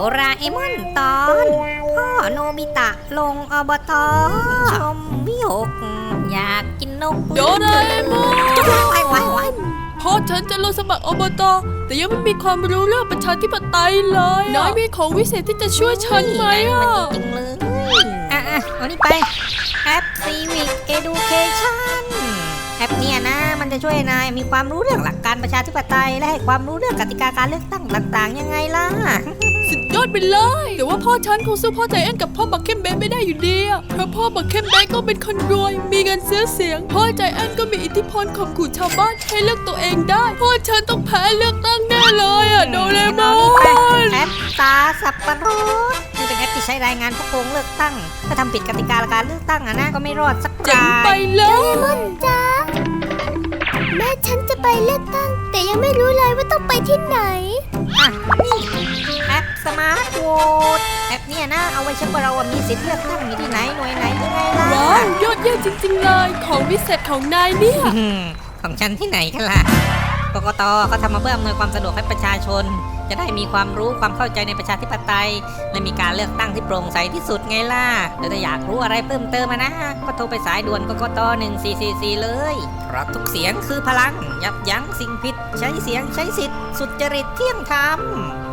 ราเอมอนตอนพ่อโนบิตะลงอบตชมวิหกอยากกินนกโดราเอมอนว้ายพ่อฉันจะลงสมัครอบตแต่ยังไม่มีความรู้เรื่องประชาธิปไตยเลยน้อยมีของวิเศษที่จะช่วยฉันไหมมันจริงเลยเอานี่ไปแอป Civic Education แอปเนี่ยนะมันจะช่วยนายมีความรู้เรื่องหลักการประชาธิปไตยและให้ความรู้เรื่องกติกาการเลือกตั้งต่างๆยังไงล่ะสุดยอดไปเลยแต่ว่าพ่อฉันคงสู้พ่อใจแอนกับพ่อบักเข้มเบนไม่ได้อยู่ดีเพราะพ่อบักเข้มเบนก็เป็นคนรวยมีเงินซื้อเสียงพ่อใจแอนก็มีอิทธิพลข่มขู่ชาวบ้านให้เลือกตัวเองได้พ่อฉันต้องแพ้เลือกตั้งแน่เลยโดเรมอนแอปตาสับปะรดนี่เป็นแอปที่ใช้รายงานผู้โกงเลือกตั้งถ้าทำผิดกติกาการเลือกตั้งนะก็ไม่รอดสักรายเจ๋งไปเลยโดเรมอนจ้าแม่ฉันจะไปเลือกตั้งแต่ยังไม่รู้เลยว่าต้องไปที่ไหนนี่แอปสมาร์ทโหวตแอปเนี่ยนะเอาไว้เช็คว่าเรามีสิทธิ์เลือกตั้งอยู่ที่ไหนหน่วยไหนยังไงล่ะว้าวยอดเยี่ยมจริงๆเลยของวิเศษของนายเนี่ยของฉันที่ไหนกันล่ะกกตเขาทำมาเพื่ออำนวยความสะดวกให้ประชาชนจะได้มีความรู้ความเข้าใจในประชาธิปไตยและมีการเลือกตั้งที่โปร่งใสที่สุดไงล่ะแล้วถ้าอยากรู้อะไรเพิ่มเติมนะก็โทรไปสายด่วนกกต1444เลยเพราะทุกเสียงคือพลังยับยั้งสิ่งผิดใช้เสียงใช้สิทธิ์สุจริตเที่ยงธรรม